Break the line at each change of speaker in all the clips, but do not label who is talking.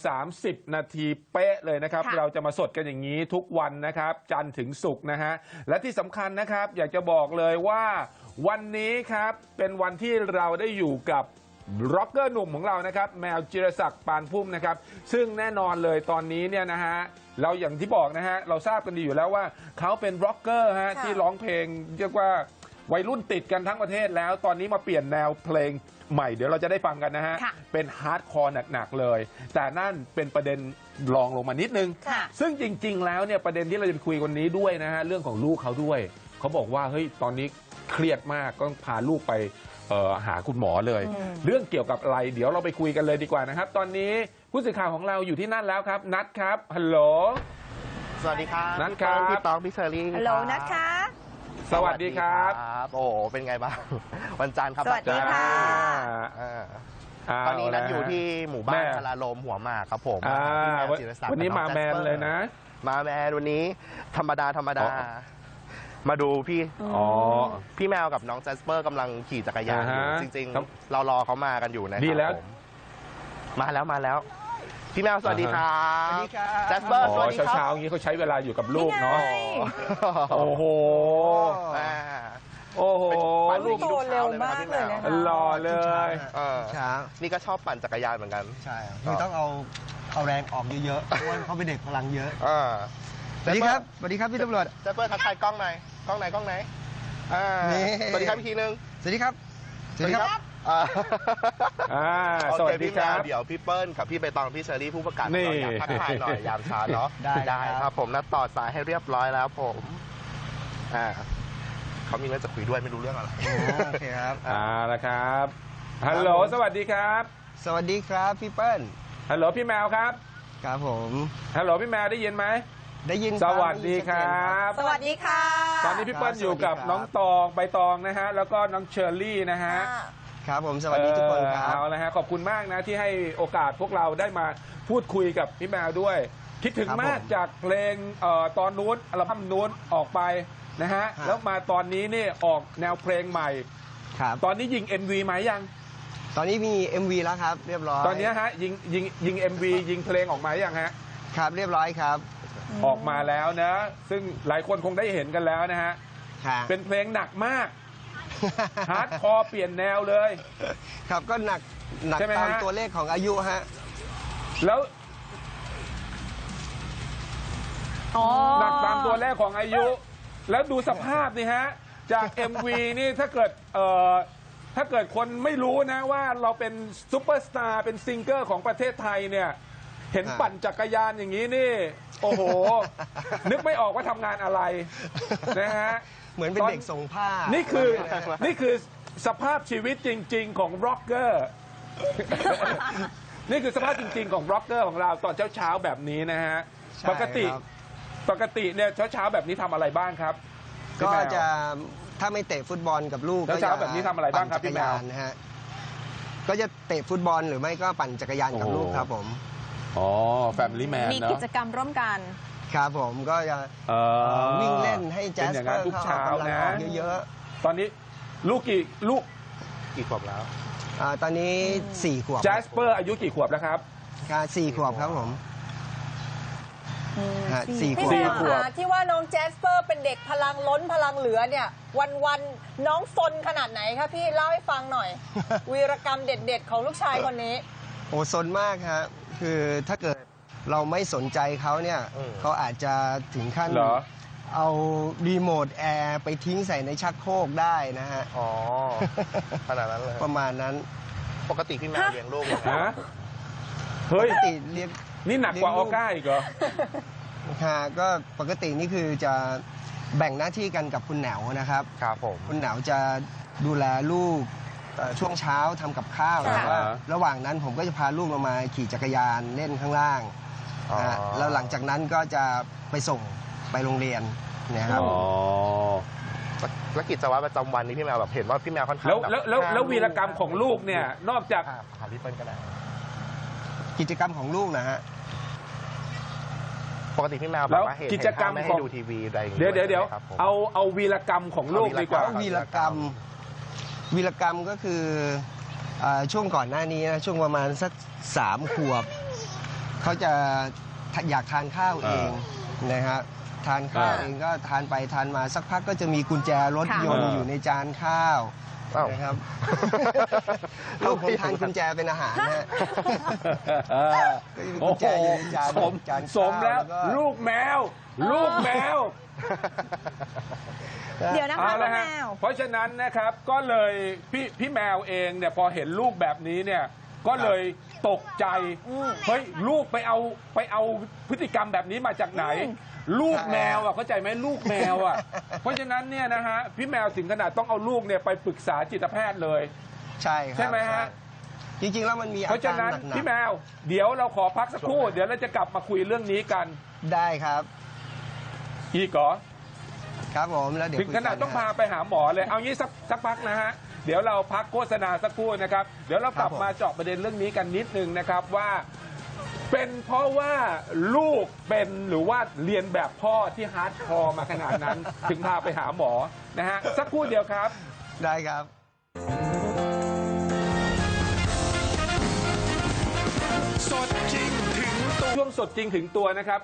30 นาทีเป๊ะเลยนะครับเราจะมาสดกันอย่างนี้ทุกวันนะครับจันทร์ถึงศุกร์นะฮะและที่สำคัญนะครับอยากจะบอกเลยว่าวันนี้ครับเป็นวันที่เราได้อยู่กับร็อกเกอร์หนุ่มของเรานะครับแมวจิรศักดิ์ปานพุ่มนะครับซึ่งแน่นอนเลยตอนนี้เนี่ยนะฮะเราอย่างที่บอกนะฮะเราทราบกันดีอยู่แล้วว่าเขาเป็นร็อกเกอร์ฮะที่ร้องเพลงเรียกว่าวัยรุ่นติดกันทั้งประเทศแล้วตอนนี้มาเปลี่ยนแนวเพลงใหม่เดี๋ยวเราจะได้ฟังกันนะฮะเป็นฮาร์ดคอร์หนักๆเลยแต่นั่นเป็นประเด็นรองลงมานิดนึงซึ่งจริงๆแล้วเนี่ยประเด็นที่เราจะคุยวันนี้ด้วยนะฮะเรื่องของลูกเขาด้วยเขาบอกว่าเฮ้ยตอนนี้เครียดมากก็พาลูกไปหาคุณหมอเลยเรื่องเกี่ยวกับอะไรเดี๋ยวเราไปคุยกันเลยดีกว่านะครับตอนนี้ผู้สื่อข่าวของเราอยู่ที่นั่นแล้วครับนัทครับฮัลโหล
สวัสดีครับ
นัทครับ
พี่ตองพี่เชอรี่
ฮัลโหลนัทคะ
สวัสดีครับ
โอ้เป็นไงบ้างวันจันทร์ครับ
สวัสดีค่ะ
ตอนนี้นัทอยู่ที่หมู่บ้านพลาลมหัวหมากครับผม
วันนี้มาแมนเลยนะ
มาแมนวันนี้ธรรมดามาดูพี่แมวกับน้องแจสเปอร์กำลังขี่จักรยานอยู่จริงๆเรารอเขามากันอยู่นะครับ
ดีแล้ว
มาแล้วพี่แมวสวัสดีครับ
สวัสดีครับ
แจสเปอร์สวัสดีครับ
เช้าอย่างนี้เขาใช้เวลาอยู่กับลูกเนาะโอ้โห
ลูกโตเร็วมากเลยนะ
หล่อเลย
ช้านี่ก็ชอบปั่นจักรยานเหมือนกัน
ใช่คือต้องเอาแรงออกเยอะๆเพราะว่าเขาเป็นเด็กพลังเยอะสวัสดีครับพี่ตำรวจ
แจสเปอร์ทักทายกล้องไหนสวัสดีครับอีกทีนึง
สวัสดีครับ
สวัสดีครับเดี๋ยวพี่เปิ้ลกับพี่ใบตองพี่เชอรี่ผู้ประกาศอยากทักทายหน่อยยามเช้าเนาะได้ครับผมนัดต่อสายให้เรียบร้อยแล้วผมเขามีเรื่องจะคุยด้วยไม่รู้เรื่องอะไร
โอเคครับ
ละครับฮัลโหลสวัสดีครับ
สวัสดีครับพี่เปิ้ล
ฮัลโหลพี่แมวครับ
ครับผม
ฮัลโหลพี่แมวได้ยินไหม
ได้ยิน
สวัสดีครับ
สวัสดีค่ะ
ตอนนี้พี่เปิ้ลอยู่กับน้องตองใบตองนะฮะแล้วก็น้องเชอรี่นะฮะ
ครับผมสวัสดีทุกคนครับ
เอาละฮะขอบคุณมากนะที่ให้โอกาสพวกเราได้มาพูดคุยกับพี่แมวด้วยคิดถึงมากจากเพลงตอนนู้นอัลบั้มนู้นออกไปนะฮะแล้วมาตอนนี้นี่ออกแนวเพลงใหม่ตอนนี้ยิง MV ไหมยัง
ตอนนี้มี MV แล้วครับเรียบร้อย
ตอนนี้ฮะยิง MV ยิงเพลงออกมายังฮะ
ครับเรียบร้อยครับ
ออกมาแล้วนะซึ่งหลายคนคงได้เห็นกันแล้วนะฮะเป็นเพลงหนักมากฮาร์ดคอร์เปลี่ยนแนวเลย
ครับก็หนักตามตัวเลขของอายุฮะ
แล้วหนักตามตัวเลขของอายุแล้วดูสภาพนี่ฮะจาก MV นี่ถ้าเกิดคนไม่รู้นะว่าเราเป็นซุปเปอร์สตาร์เป็นซิงเกอร์ของประเทศไทยเนี่ยเห็นปั่นจักรยานอย่างนี้นี่โอ้โหนึกไม่ออกว่าทำงานอะไรนะฮะ
เหมือนเป็นเด็กส่งผ้า
นี่คือสภาพชีวิตจริงๆของร็อกเกอร์นี่คือสภาพจริงๆของร็อกเกอร์ของเราตอนเช้าๆแบบนี้นะฮะปกติเนี่ยเช้าๆแบบนี้ทำอะไรบ้างครับ
ก็จะถ้าไม่เตะฟุตบอลกับลูก
เช้าแบบนี้ทำอะไรบ้างครับพี่แมว
นะฮะก็จะเตะฟุตบอลหรือไม่ก็ปั่นจักรยานกับลูกครับผม
แฟมิลี่แมน
มีกิจกรรมร่วมกัน
ครับผมก็จะวิ่งเล่นให้แจ๊สเปอร์
ทุกเช้านะ
เยอะ
ๆตอนนี้ลูกกี่ขวบแล้ว
ตอนนี้4 ขวบ
แจ๊สเปอร์อายุกี่ขวบแล้วครับ
4 ขวบครับผม
4 ขวบที่ว่าน้องแจสเปอร์เป็นเด็กพลังล้นพลังเหลือเนี่ยวันน้องซนขนาดไหนครับพี่เล่าให้ฟังหน่อยวีรกรรมเด็ดๆของลูกชายคนนี้
โอ้ซนมากครับคือถ้าเกิดเราไม่สนใจเขาเนี่ยเขาอาจจะถึงขั้นเอารีโมทแอร์ไปทิ้งใส่ในชักโครกได้นะฮะ
ขนาดนั้นเลย
ประมาณนั้น
ปกติพี่แมวเลี้ยงลูก
นะเฮ้ย
ปกติเลี้ยง
นี่หนักกว่าออก้าอีกเหรอ
ค่ะก็ปกตินี่คือจะแบ่งหน้าที่กันกับคุณแหนวนะครับ
ครับผม
คุณแหนวจะดูแลลูกช่วงเช้าทำกับข้าวแต่ว่าระหว่างนั้นผมก็จะพาลูกลงมาขี่จักรยานเล่นข้างล่างแล้วหลังจากนั้นก็จะไปส่งไปโรงเรียนนะครับ
แล้วกิจวัตรประจำวันนี้พี่แมวแบบเห็นว่าพี่แมวค่อนข้าง
แล้ววีรกรรมของลูกเนี่ยนอกจาก
พี่เปิ้ลก็ได้
กิจกรรมของลูกนะฮะ
ปกติพี่แมวแบบว่า
กิจกรรม
ไม่ให้ดูทีวีอะไรอย่างเงี้
ยเดี๋ยวเอาวีรกรรมของลูกดีกว่า
วีรกรรมก็คือช่วงก่อนหน้านี้นะช่วงประมาณสัก3 ขวบเขาจะอยากทานข้าวเองนะครับทานข้าวเองก็ทานไปทานมาสักพักก็จะมีกุญแจรถยนต์อยู่ในจานข้าวนะครับลูกผมทานกุญแจเป็นอาหารนะฮะ
โอ้โหสมแล้วลูกแมว ลูกแมว
เดี๋ยวนะคะ
เอาละ
แม
ฮะ
ว
เพราะฉะนั้นนะครับก็เลยพี่แมวเองเนี่ยพอเห็นลูกแบบนี้เนี่ยก็เลยตกใจเฮ้ยลูกไปเอาพฤติกรรมแบบนี้มาจากไหน ลูกแมวอ่ะเข้าใจไหมลูกแมวอ่ะเพราะฉะนั้นเนี่ยนะฮะพี่แมวถึงขนาดต้องเอาลูกเนี่ยไปปรึกษาจิตแพทย์เลย
ใช่ครับ
ใช่ไหมฮะ
จริงๆแล้วมันมีอา
เพราะฉะ
การ
นั้น
หนัก
พี่แมวเดี๋ยวเราขอพักสักครู่เดี๋ยวเราจะกลับมาคุยเรื่องนี้กัน
ๆได้ครับ
อีกเหรอ
ครับผมแล้วเดี๋ยว
ถึงขนาดต้องพาไปหาหมอเลย เอางี้สักพักนะฮะ เดี๋ยวเราพักโฆษณาสักครู่นะครับ เดี๋ยวเรากลับมาเจาะประเด็นเรื่องนี้กันนิดนึงนะครับว่า เป็นเพราะว่าลูกเป็นหรือว่าเรียนแบบพ่อที่ฮาร์ดคอร์มาขนาดนั้น ถึงพาไปหาหมอนะฮะ สักครู่เดียวครับ
ได้ครับ
สดจริงถึงตัวช่วงสดจริงถึงตัวนะครับ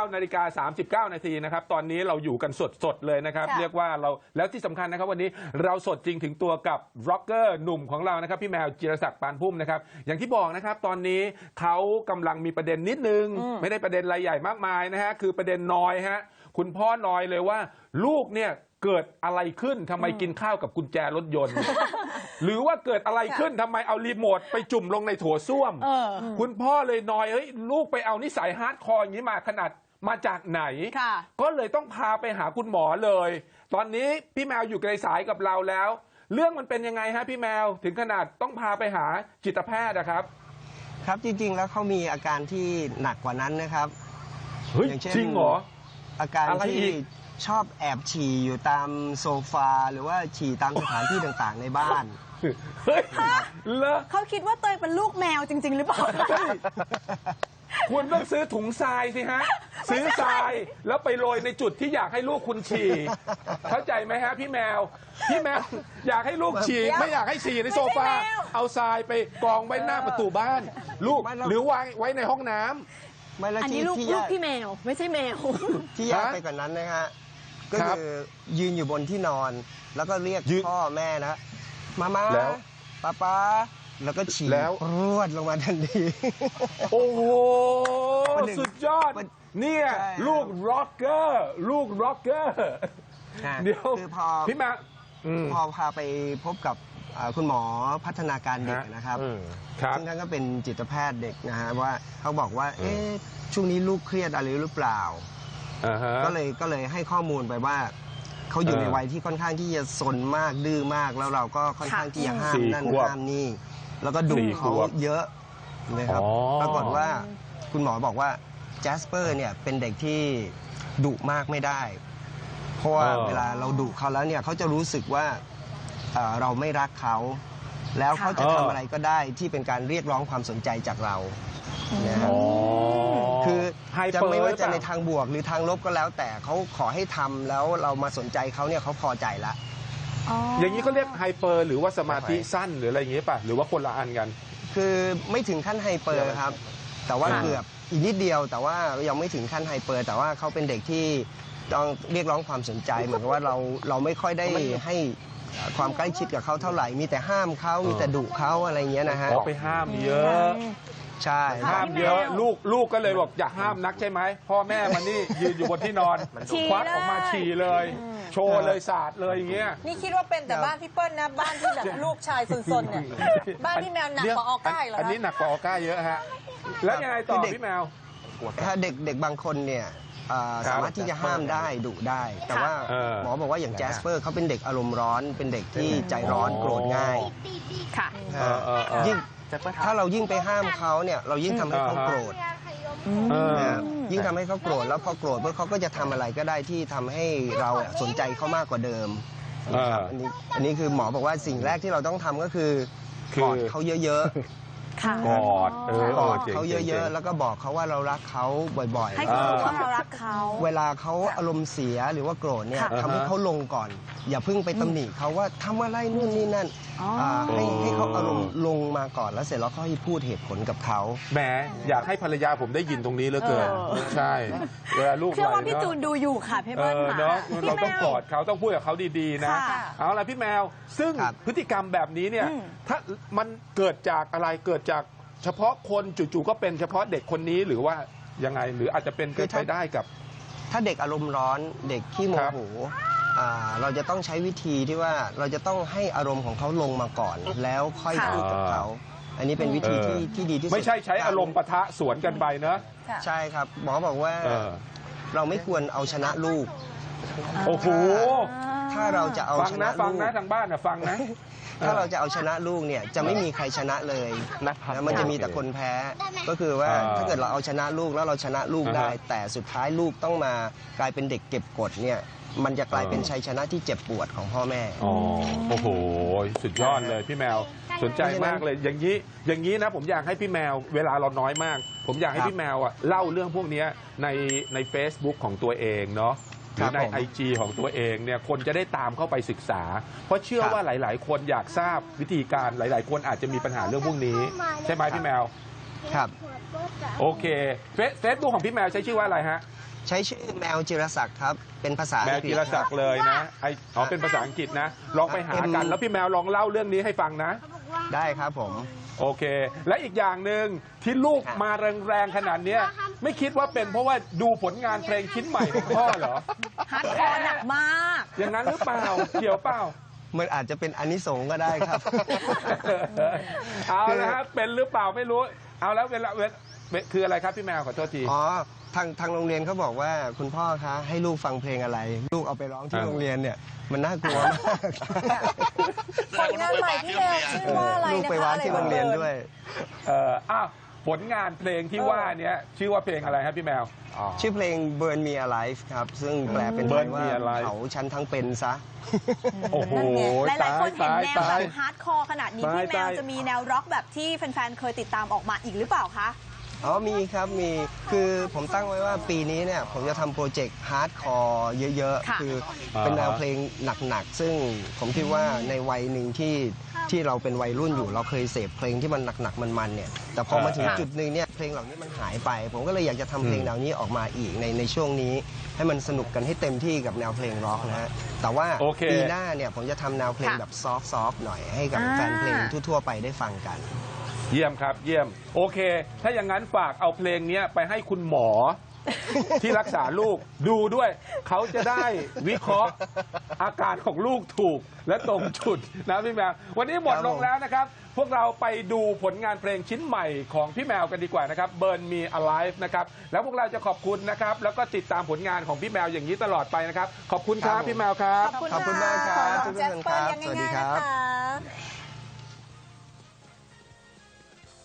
9:39 นาทีนะครับ ตอนนี้เราอยู่กันสดๆเลยนะครับ
ค่ะ
เรียกว่าเราแล้วที่สำคัญนะครับวันนี้เราสดจริงถึงตัวกับร็อกเกอร์หนุ่มของเรานะครับพี่แมวจิรศักดิ์ปานพุ่มนะครับอย่างที่บอกนะครับตอนนี้เขากำลังมีประเด็นนิดนึง ไม่ได้ประเด็นอะไรใหญ่มากมายนะฮะคือประเด็นนอยฮะคุณพ่อนอยเลยว่าลูกเนี่ยเกิดอะไรขึ้นทำไมกินข้าวกับกุญแจรถยนต์ หรือว่าเกิดอะไรขึ้นทำไมเอารีโมทไปจุ่มลงในโถส้วม คุณพ่อเลยนอยเฮ้ยลูกไปเอานิสัยฮาร์ดคอร์อย่างนี้มาขนาดมาจากไหน
ค่ะ
ก็เลยต้องพาไปหาคุณหมอเลย ตอนนี้พี่แมวอยู่ในสายกับเราแล้ว เรื่องมันเป็นยังไงฮะพี่แมวถึงขนาดต้องพาไปหาจิตแพทย์นะครับ
ครับจริงๆแล้วเขามีอาการที่หนักกว่านั้นนะครับ
เฮ้ย
อย่างเช่น
จริงเหรอ
อาการ
อะไร
ที่
อีก
ชอบแอบฉี่อยู่ตามโซฟาหรือว่าฉี่ตามสถานที่ต่างๆในบ้าน
เฮ้ยเหรอ
เขาคิดว่าเตยเป็นลูกแมวจริง ๆ หรือเปล่า
เฮ้ยคุณต้องซื้อถุงทรายสิฮะ ซื้อทรายแล้วไปโรยในจุดที่อยากให้ลูกคุณฉี่ เข้าใจไหมฮะพี่แมว พี่แมวอยากให้ลูกฉี่
เดี๋ยว
ไม่อยากให้ฉี่ในโซฟา
ไม่ใช่แมว
เอาทรายไปกองไว้หน้าประตูบ้าน ลูก
ไม่หรอก
หรือวางไว้ในห้องน้ำ
ไม่แล้ว
อัน
ที่
นี้ลูก
ที่
ลู
แย่
กพี่แมว ไม่ใช่แมว
ที่แย่
ฮะ
ไปกว่านั้นนะฮะก็
ครับ
คือยืนอยู่บนที่นอน แล้วก็เรียก
ยืน
พ่อแม่นะมา
แล้ว
ป้าแล้วก็ฉี่
แล้ว
รวดลงมาทันที
โอ้โห
วันหนึ่ง
สุดยอด
วัน
เนี่ย
ใช่
ลูกร็อกเกอร์ลูกร็อกเกอร์ เดี๋ยว
คือพอ
พี่แมวอืม
พอพาไปพบกับคุณหมอพัฒนาการเด็กนะครับ
ครับ
ซึ่งท่านก็เป็นจิตแพทย์เด็กนะฮะว่าเขาบอกว่าเอ๊ะช่วงนี้ลูกเครียดอะไรหรือเปล่า
อ่าฮะ
ก็เลยให้ข้อมูลไปว่าเขาอยู่
เออ
ในวัยที่ค่อนข้างที่จะซนมากดื้อมากแล้วเราก็ค่อนข้างที่จะห้าม
สี่
นั่น
ขวบ
ห้ามนี่แล้วก็ดุ
สี่
เขา
ขวบ
เยอะนะครับ
อ๋อ
ปรากฏว่าคุณหมอบอกว่าแจสเปอร์เนี่ยเป็นเด็กที่ดุมากไม่ได้ เพราะว่าเวลาเราดุเขาแล้วเนี่ยเขาจะรู้สึกว่าเราไม่รักเขาแล้วเขาจะทำอะไรก็ได้ที่เป็นการเรียกร้องความสนใจจากเรานะครับ
อ๋อ
คือ
ไฮ
จะ
เปอร์
ไม่ว่าจะ
ห
ใน
รือเปล่
ทางบวกหรือทางลบก็แล้ว แต่เขาขอให้ทำแล้วเรามาสนใจเขาเนี่ยเขาพอใจละ
อย่างนี้เขาเรียกไฮเปอร์หรือว่าสมาธิสั้นหรืออะไรอย่างนี้ป่ะหรือว่าคนละอันกัน
คือไม่ถึงขั้นไฮเปอร์ครับ แต่ว่า
ค่ะ
เกือบอีกนิดเดียว แต่ว่ายังไม่ถึงขั้นไฮเปอร์ แต่ว่าเขาเป็นเด็กที่ต้องเรียกร้องความสนใจ เหมือนกับว่าเราไม่ค่อยได้ให้ความใกล้ชิดกับเขาเท่าไหร่มีแต่ห้ามเขามีแต่ดุเขาอะไรเงี้ยนะฮะ
อ๋อไปห้ามเยอะ
ใช่
ห้ามเยอะลูกก็เลยบอกอย่าห้ามนักใช่ไหมพ่อแม่มันนี่ยืนอยู่บนที่นอน
ฉี่
ควักออกมา
เลย
ฉี่เลย โชว์เลยสาดเลยอย่างเงี้ย
นี่คิดว่าเป็นแต่บ้านพี่เปิ้ลนะ บ้านที่แบบลูกชายซนๆเนี่ย บ้านพี่แมวหนักกว่าออก้าอีกเหรอ
อัน
คะ
นี้หนักกว่าออก้าเยอะฮะแล้วยังไงต่อพี่แมว
ถ้าเด็กบางคนเนี่ยสามารถที่จะห้ามได้ดุได้ แต่ว่า
เออ
หมอบอกว่าอย่างแจสเปอร์เขาเป็นเด็กอารมณ์ร้อน เป็นเด็กที่ใจร้อนโกรธง่าย
ค่ะ
ยิ่งถ้าเรายิ่งไปห้ามเขาเนี่ยเรายิ่งทำให้เขาโกรธ นะยิ่งทำให้เขาโกรธแล้วพอโกรธปุ๊บเขาก็จะทำอะไรก็ได้ที่ทำให้เราสนใจเขามากกว่าเดิมนะครับอันนี้คือหมอบอกว่าสิ่งแรกที่เราต้องทำก็คือกอดเขาเยอะ
ค่ะ
กอด
กอด
จ๋ง
เขาเยอะๆ แล้วก็บอกเขาว่าเรารักเขาบ่อย
ให้เขารู้ว่าเรารักเขา
เวลาเขาอารมณ์เสียหรือว่าโกรธเนี่ย
ค่ะ
ทำให้เขาลงก่อน อย่าเพิ่งไปตำหนิเขาว่าทำอะไรนู่นนี่นั่น
อ๋ออ่
ให้เขาอารมณ์ลงมาก่อนแล้วเสร็จแล้วค่อยพูดเหตุผลกับเขา
แหมอยากให้ภรรยาผมได้ยินตรงนี้เหลือเกิน ใช่เวลาลูก
เชื่อว่า
ไหล
พี่
เนอะ
จูนดูอยู่ค่ะพี่เบิ้ลค่ะ
เนาะ
พี่
เรา
แม
ต้อง
ว
กอดเขาต้องพูดกับเขาดีๆนะ
ค่ะ
เอาล่ะพี่แมว ซึ่ง
ครับ
พฤติกรรมแบบนี้เนี่ย
อืม
ถ้ามันเกิดจากอะไรเกิดจากเฉพาะคนจู่ๆก็เป็นเฉพาะเด็กคนนี้หรือว่ายังไงหรืออาจจะเป็นไปได้กับ
ถ้าเด็กอารมณ์ร้อนเด็กขี้โม
ครับ
โหเราจะต้องใช้วิธีที่ว่าเราจะต้องให้อารมณ์ของเขาลงมาก่อน แล้วค่อย
ค่ะ
พูดกับเขา อันนี้เป็นวิธีที่ดีที่สุด
ไม่ใช่ใช้อารมณ์ปะทะสวนกันไปเนอะ
ค่ะ
ใช่ครับหมอบอกว่า
เออ
เราไม่ควรเอาชนะลูก
โอ้โห
ถ้าเราจะเอา
ฟัง
ช
นะ
นะ
ฟัง
ลูก
นะทางบ้านนะฟังนะ
ถ้าเราจะเอาชนะลูกเนี่ยจะไม่มีใครชนะเลย
นะครับ
นะมันจะมีแต่คนแพ้ ก็คือว่า
อ่า
ถ้าเกิดเราเอาชนะลูกแล้วเราชนะลูกได้
อ่าฮะ
แต่สุดท้ายลูกต้องมากลายเป็นเด็กเก็บกดเนี่ยมันจะกลายเป็นชัยชนะที่เจ็บปวดของพ่อแม่
อ๋อโอ้โห สุดยอดเลยพี่แมวสนใจมากเลยอย่างนี้นะผมอยากให้พี่แมวเวลาเราน้อยมาก ผมอยากให้
ครับ
พี่แมวอ่ะเล่าเรื่องพวกเนี้ยใน Facebook ของตัวเองเนาะหรือใน
ครับผม
IG ของตัวเองเนี่ยคนจะได้ตามเข้าไปศึกษา เพราะเชื่อ
ครับ
ว่าหลาย ๆ คนอยากทราบวิธีการหลาย ๆ คนอาจจะมีปัญหาเรื่องพวกนี้ ใช่ไหมพี่แมว
ครับ
โอเคเฟซบุ๊กของพี่แมวใช้ชื่อว่าอะไรฮะ
ใช้ชื่อแมวจิรศักดิ์ครับ เป็นภาษา
แมว
อังกฤษ
จิรศักดิ์เลยนะเป็นภาษาอังกฤษนะลองไปหากันแล้วพี่แมวลองเล่าเรื่องนี้ให้ฟังนะ
ได้ครับผม
โอเค และอีกอย่างหนึ่งที่ลูก
ครับ
มาแรงๆขนาดเนี้ยไม่คิดว่าเป็นเพราะว่าดูผลงานเพลงชิ้นใหม่ของพ่อเหรอ
ฮาร์ดคอร์หนักมาก
อย่างนั้นหรือเปล่าเกี่ยวเปล่า
มันอาจจะเป็นอานิสงส์ก็ได้ครับ
เอาละครับเป็นหรือเปล่าไม่รู้ เอาแล้วเวลาคืออะไรครับพี่แมวขอโทษที
อ๋อทางโรงเรียนเขาบอกว่าคุณพ่อคะให้ลูกฟังเพลงอะไร ลูกเอาไปร้องที่
อ่า
โรงเรียนเนี่ยมันน่ากลัวมาก
ผลงานใหม่พี่แมวชื่อว่าอะไร
ลูก
นะคะ
ไปว้าที่โรงเรียนด้วย
อ้าวผลงานเพลงที่ว่าเนี้ยชื่อว่าเพลงอะไรครับพี่แมว
ชื่อเพลง Burn Me Alive ครับ ซึ่งแปลเป็นไท
Burn
ย
Me
ว่า
Alive
เผาฉันทั้งเป็นซะ
โอ้โห
หลายๆคนเห็นแนว
ตา
แบ
ย
บฮาร์ดคอร์ขนาดนี้
ตาย
พี่แมว
ตาย
จะมีแนวร็อกแบบที่แฟนๆ เคยติดตามออกมาอีกหรือเปล่าคะ
อ๋อมีครับมีคือผมตั้งไว้ว่าปีนี้เนี่ยผมจะทำโปรเจกต์ฮาร์ดคอร์เยอะ
ค่ะ
ๆ คือเป็นแนวเพลงหนักๆ ซึ่งผมคิดว่าในวัยหนึ่งที่เราเป็นวัยรุ่นอยู่เราเคยเสพเพลงที่มันหนักๆมันๆเนี่ยแต่พอมาถึง
ค่ะ
จุดหนึ่งเนี่ยเพลงเหล่านี้มันหายไป ผมก็เลยอยากจะทำเพลงแนวนี้ออกมาอีกในช่วงนี้ ให้มันสนุกกันให้เต็มที่กับแนวเพลงร็อกนะฮะแต่ว่า
โอเค
ปีหน้าเนี่ยผมจะทำแนวเพลงแบบซอฟต์ๆหน่อยให้กับแฟนเพลงทั่วๆไปได้ฟังกัน
เยี่ยมครับเยี่ยมโอเค ถ้าอย่างนั้นฝากเอาเพลงเนี้ยไปให้คุณหมอ ที่รักษาลูกดูด้วย เขาจะได้วิเคราะห์อาการของลูกถูกและตรงจุดนะพี่แมว วันนี้หมดลงแล้วนะครับ พวกเราไปดูผลงานเพลงชิ้นใหม่ของพี่แมวกันดีกว่านะครับ Burn Me Alive นะครับแล้วพวกเราจะขอบคุณนะครับแล้วก็ติดตามผลงานของพี่แมวอย่างนี้ตลอดไปนะครับขอบคุณครับพี่แมวครับ
ขอบคุณมากครับ
ขอน้องแจสเปอร์ยัง
สวัสดี
ง่าย
ครั
ๆ
บ
นะคะ